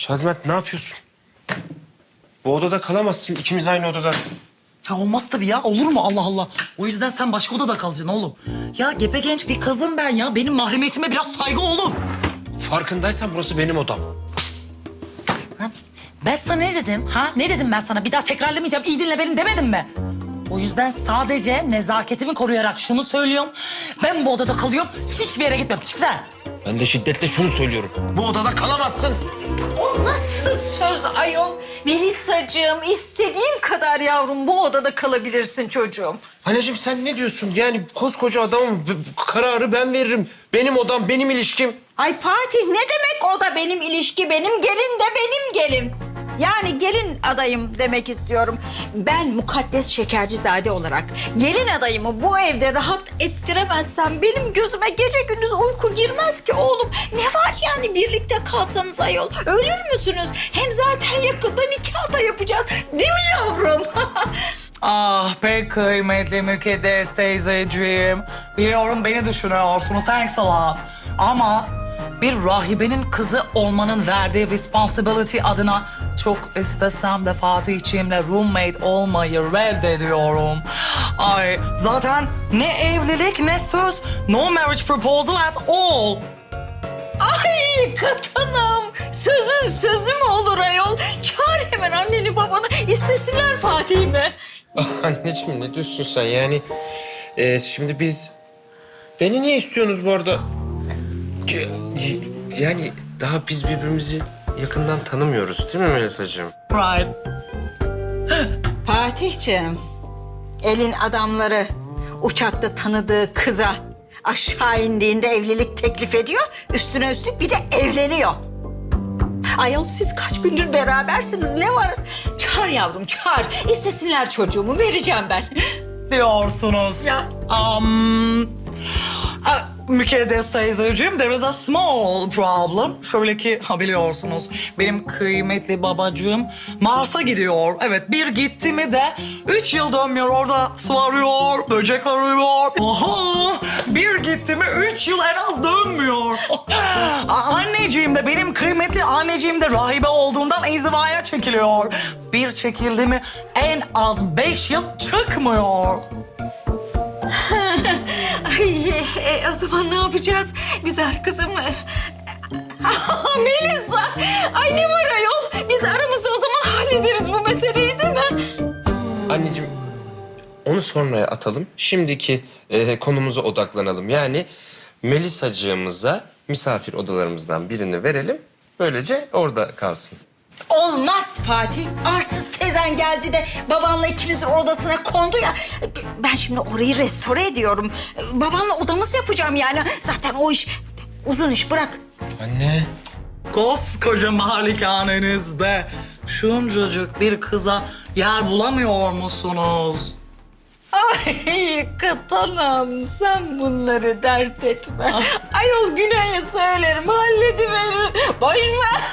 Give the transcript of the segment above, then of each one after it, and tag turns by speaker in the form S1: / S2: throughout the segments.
S1: Şazmet ne yapıyorsun? Bu odada kalamazsın. İkimiz aynı odada.
S2: Ya olmaz tabii ya. Olur mu Allah Allah. O yüzden sen başka odada kalacaksın oğlum. Ya gepegenç bir kızım ben ya. Benim mahremiyetime biraz saygı oğlum.
S1: Farkındaysan burası benim odam.
S2: Ha? Ben sana ne dedim? Ha? Ne dedim ben sana? Bir daha tekrarlamayacağım. İyi dinle benim demedim mi? O yüzden sadece nezaketimi koruyarak şunu söylüyorum. Ben bu odada kalıyorum. Hiçbir yere gitmem. Çık sen.
S1: Ben de şiddetle şunu söylüyorum. Bu odada kalamazsın.
S3: O nasıl söz ayol? Melisacığım, istediğin kadar yavrum bu odada kalabilirsin çocuğum.
S1: Anneciğim sen ne diyorsun? Yani koskoca adamım. Kararı ben veririm. Benim odam, benim ilişkim.
S3: Ay Fatih, ne demek o da benim ilişki, benim gelin de benim gelin. Yani gelin adayım demek istiyorum. Ben mukaddes Şekercizade olarak gelin adayımı bu evde rahat ettiremezsem benim gözüme gece gündüz uyku girmez ki oğlum. Ne var yani birlikte kalsanız ayol? Ölür müsünüz? Hem zaten yakında nikah da yapacağız. Değil mi yavrum?
S2: Ah pek kıymetli mükaddes teyzeciğim. Biliyorum beni düşünüyorsunuz. Thanks a lot. Ama bir rahibenin kızı olmanın verdiği responsibility adına çok istesem de Fatih'ciğimle roommate olmayı reddediyorum. Ay zaten ne evlilik ne söz, no marriage proposal at all.
S3: Ay katanım. Sözün sözü mü olur ayol? Çağır hemen anneni babanı istesinler Fatih'imi.
S1: Anneciğim ne diyorsun sen? Yani şimdi biz... Beni niye istiyorsunuz bu arada? Yani daha biz birbirimizi yakından tanımıyoruz değil mi Melisacığım?
S2: Right.
S3: Fatih'ciğim, elin adamları uçakta tanıdığı kıza aşağı indiğinde evlilik teklif ediyor. Üstüne üstlük bir de evleniyor. Ayol siz kaç gündür berabersiniz, ne var? Çağır yavrum çağır. İstesinler çocuğumu, vereceğim ben.
S2: Diyorsunuz.
S3: Ya.
S2: Mükaddes teyzeciğim, there is a small problem. Şöyle ki biliyorsunuz benim kıymetli babacığım Mars'a gidiyor. Evet bir gitti mi de 3 yıl dönmüyor, orada su arıyor, böcek arıyor. Oha, bir gitti mi 3 yıl en az dönmüyor. Anneciğim de benim kıymetli anneciğim de rahibe olduğundan inzivaya çekiliyor. Bir çekildi mi en az 5 yıl çıkmıyor.
S3: Ay, o zaman ne yapacağız güzel kızım? Melisa, ay ne var ayol? Biz aramızda o zaman hallederiz bu meseleyi değil mi?
S1: Anneciğim onu sonraya atalım. Şimdiki konumuza odaklanalım. Yani Melisacığımıza misafir odalarımızdan birini verelim. Böylece orada kalsın.
S3: Olmaz Fatih. Arsız tezen geldi de babanla ikimizin odasına kondu ya. Ben şimdi orayı restore ediyorum. Babanla odamız yapacağım yani. Zaten o iş uzun iş, bırak.
S1: Anne.
S2: Koskoca malikanenizde şuncacık bir kıza yer bulamıyor musunuz?
S3: Ay katanam, sen bunları dert etme. Ayol Güney'e söylerim, hallediverir. Boş ver.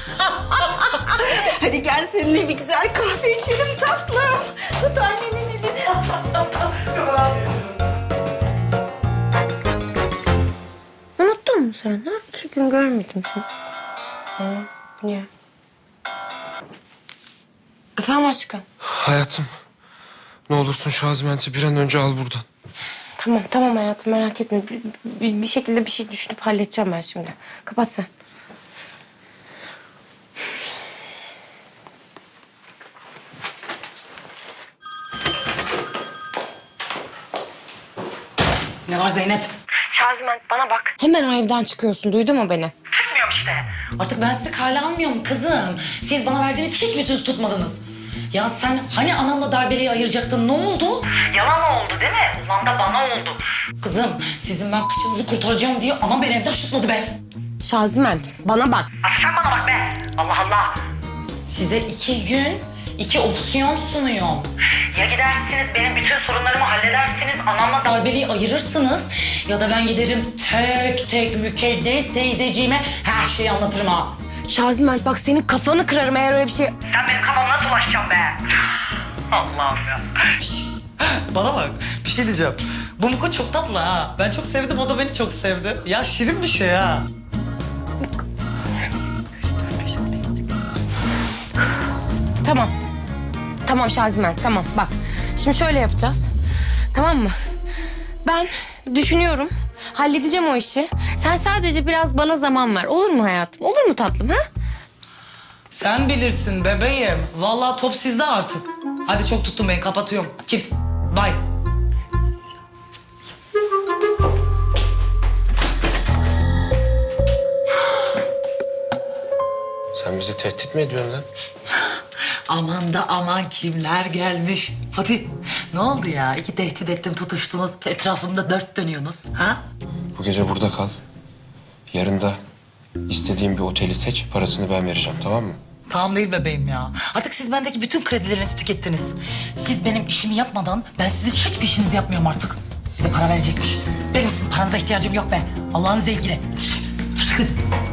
S3: Hadi gel seninle bir güzel kahve içelim tatlım. Tut annenin elini.
S4: Unuttun mu sen? Ha? 2 gün görmedim seni. Niye? Efendim aşkım?
S1: Hayatım ne olursun Şazment'i bir an önce al buradan.
S4: Tamam hayatım, merak etme. Bir şekilde bir şey düşünüp halledeceğim ben şimdi. Kapat sen.
S2: Ne var Zeynep?
S4: Şaziment bana bak. Hemen o evden çıkıyorsun, duydun mu beni?
S2: Çıkmıyorum işte. Artık ben sizi kale almıyorum kızım. Siz bana verdiğiniz hiçbir söz tutmadınız. Ya sen hani anamla darbeliği ayıracaktın, ne oldu? Yalan oldu değil mi? Ulan da bana oldu. Kızım sizin ben kıçınızı kurtaracağım diye anam beni evden şutladı be.
S4: Şaziment bana bak.
S2: Asıl sen bana bak be. Allah Allah. Size 2 gün 2 opsiyon sunuyorum. Ya gidersiniz benim bütün sorunlarımı halledersiniz, anamla darbeliği ayırırsınız. Ya da ben giderim tek tek mükaddes teyzeciğime her şeyi anlatırım ha.
S4: Şaziment bak, senin kafanı kırarım eğer öyle bir şey...
S2: Sen benim kafama nasıl ulaşacaksın be? Allah'ım ya. Bana bak, bir şey diyeceğim. Bu Muko çok tatlı ha. Ben çok sevdim, o da beni çok sevdi. Ya şirin bir şey ha.
S4: Tamam. Tamam Şazimen, tamam. Bak, şimdi şöyle yapacağız. Tamam mı? Ben düşünüyorum, halledeceğim o işi. Sen sadece biraz bana zaman ver. Olur mu hayatım? Olur mu tatlım, ha?
S2: Sen bilirsin bebeğim. Vallahi top sizde artık. Hadi çok tuttum beni, kapatıyorum. Kim? Bye.
S1: Sen bizi tehdit mi ediyorsun lan?
S2: Aman da aman kimler gelmiş. Fatih ne oldu ya? İki tehdit ettim tutuştunuz. Etrafımda dört dönüyorsunuz. Ha?
S1: Bu gece burada kal. Yarın da istediğin bir oteli seç, parasını ben vereceğim, tamam mı?
S2: Tamam değil bebeğim ya. Artık siz bendeki bütün kredilerinizi tükettiniz. Siz benim işimi yapmadan ben sizin hiçbir işinizi yapmıyorum artık. Bir de para verecekmiş. Benim sizin paranıza ihtiyacım yok be. Allah'ın zevkine. Çıkın.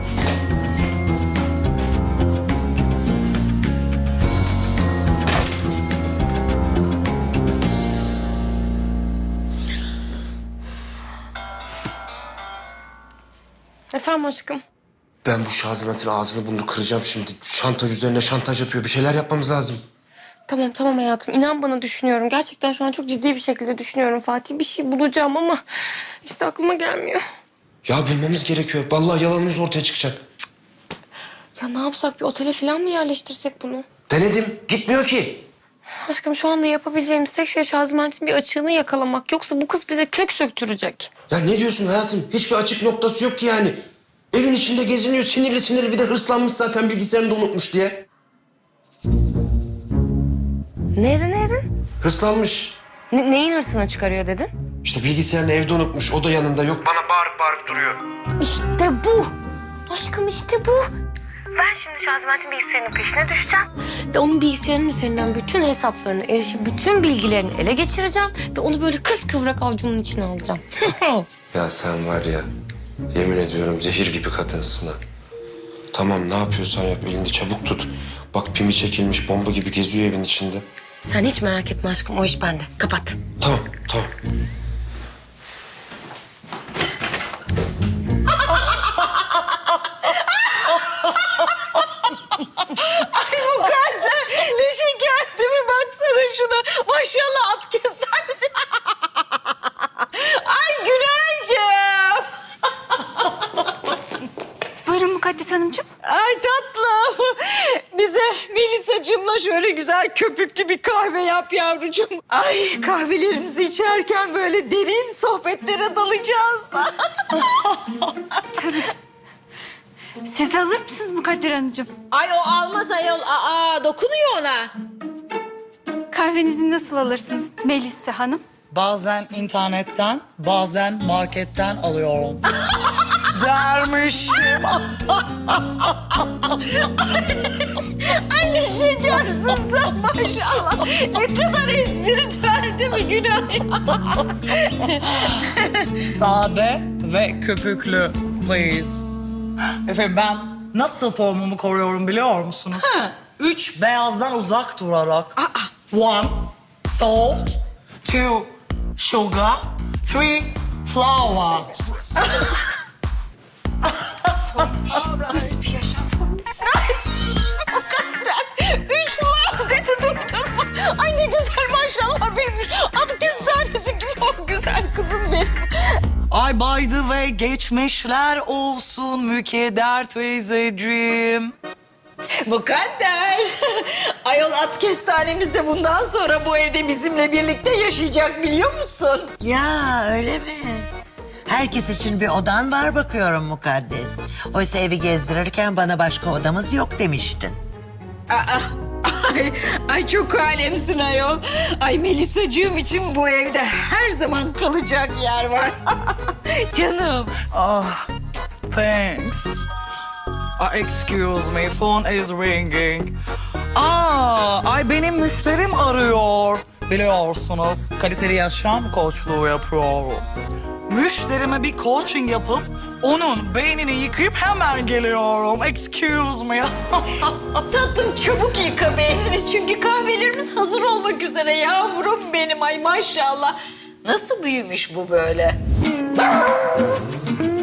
S4: Efendim aşkım.
S1: Ben bu Şazimet'in ağzını burnunu kıracağım şimdi. Şantaj üzerine şantaj yapıyor. Bir şeyler yapmamız lazım.
S4: Tamam tamam hayatım. İnan bana düşünüyorum. Gerçekten şu an çok ciddi bir şekilde düşünüyorum Fatih. Bir şey bulacağım ama işte aklıma gelmiyor.
S1: Ya bulmamız gerekiyor. Vallahi yalanımız ortaya çıkacak.
S4: Ya ne yapsak, bir otele falan mı yerleştirsek bunu?
S1: Denedim. Gitmiyor ki.
S4: Aşkım şu anda yapabileceğimiz tek şey Şaziment'in bir açığını yakalamak. Yoksa bu kız bize kök söktürecek.
S1: Ya ne diyorsun hayatım? Hiçbir açık noktası yok ki yani. Evin içinde geziniyor sinirli sinirli, bir de hırslanmış zaten, bilgisayarını da unutmuş diye.
S4: Neyden?
S1: Hırslanmış.
S4: Neyin hırsına çıkarıyor dedin?
S1: İşte bilgisayarını evde unutmuş. O da yanında yok. Bana bağırıp bağırıp duruyor.
S4: İşte bu. Aşkım işte bu. Ben şimdi Şaziment'in bilgisayarının peşine düşeceğim. Ve onun bilgisayarının üzerinden bütün hesaplarını, erişip bütün bilgilerini ele geçireceğim. Ve onu böyle kıskıvrak avcumun içine alacağım.
S1: Ya sen var ya, yemin ediyorum zehir gibi kadınsın ha. Tamam, ne yapıyorsan yap, elini çabuk tut. Bak pimi çekilmiş bomba gibi geziyor evin içinde.
S4: Sen hiç merak etme aşkım, o iş bende. Kapat.
S1: Tamam, tamam.
S3: Mukadder ne şeker değil mi? Baksana şuna. Maşallah at kestanesi. Ay Günaycığım.
S5: Buyurun Mukaddes Hanımcığım.
S3: Ay tatlım. Bize Melisa'cığımla şöyle güzel köpüklü bir kahve yap yavrucuğum. Ay kahvelerimizi içerken böyle derin sohbetlere dalacağız da.
S5: Siz de alır mısınız Mukadder Hanımcığım?
S3: Ay o almaz ayol. Aa dokunuyor ona.
S5: Kahvenizi nasıl alırsınız Melisa Hanım?
S2: Bazen internetten, bazen marketten alıyorum. Dermişim.
S3: Ay ne şekersin sen maşallah. Ne kadar espritüel değil mi Günay?
S2: Sade ve köpüklü please. Efendim ben nasıl formumu koruyorum biliyor musunuz?
S3: Ha.
S2: 3 beyazdan uzak durarak. 1 salt, 2 sugar, 3 flour.
S5: Nasıl bir yaşam formusu?
S3: Mukadder 3 muhabbeti tuttun mu? Ay ne güzel maşallah bilmiş. Adı kestanesi gibi o güzel kızım benim.
S2: Ay by the way geçmişler olsun Mükeder teyzeciğim.
S3: Mukadder. Ayol at kestanemiz de bundan sonra bu evde bizimle birlikte yaşayacak biliyor musun?
S6: Ya öyle mi? Herkes için bir odan var bakıyorum Mukaddes. Oysa evi gezdirirken bana başka odamız yok demiştin.
S3: Ay çok alemsin ayol. Ay Melisa'cığım için bu evde her zaman kalacak yer var. Canım.
S2: Ah, thanks. Excuse me, phone is ringing. Ay benim müşterim arıyor. Biliyorsunuz, kaliteli yaşam koçluğu yapıyorum. Müşterime bir coaching yapıp onun beynini yıkayıp hemen geliyorum. Excuse me.
S3: Tatlım çabuk yıka beynini çünkü kahvelerimiz hazır olmak üzere yavrum benim. Ay maşallah. Nasıl büyümüş bu böyle?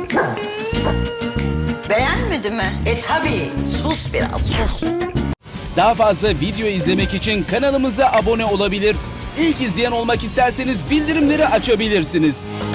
S3: Beğenmedi mi?
S6: Tabii sus biraz sus.
S7: Daha fazla video izlemek için kanalımıza abone olabilir. İlk izleyen olmak isterseniz bildirimleri açabilirsiniz.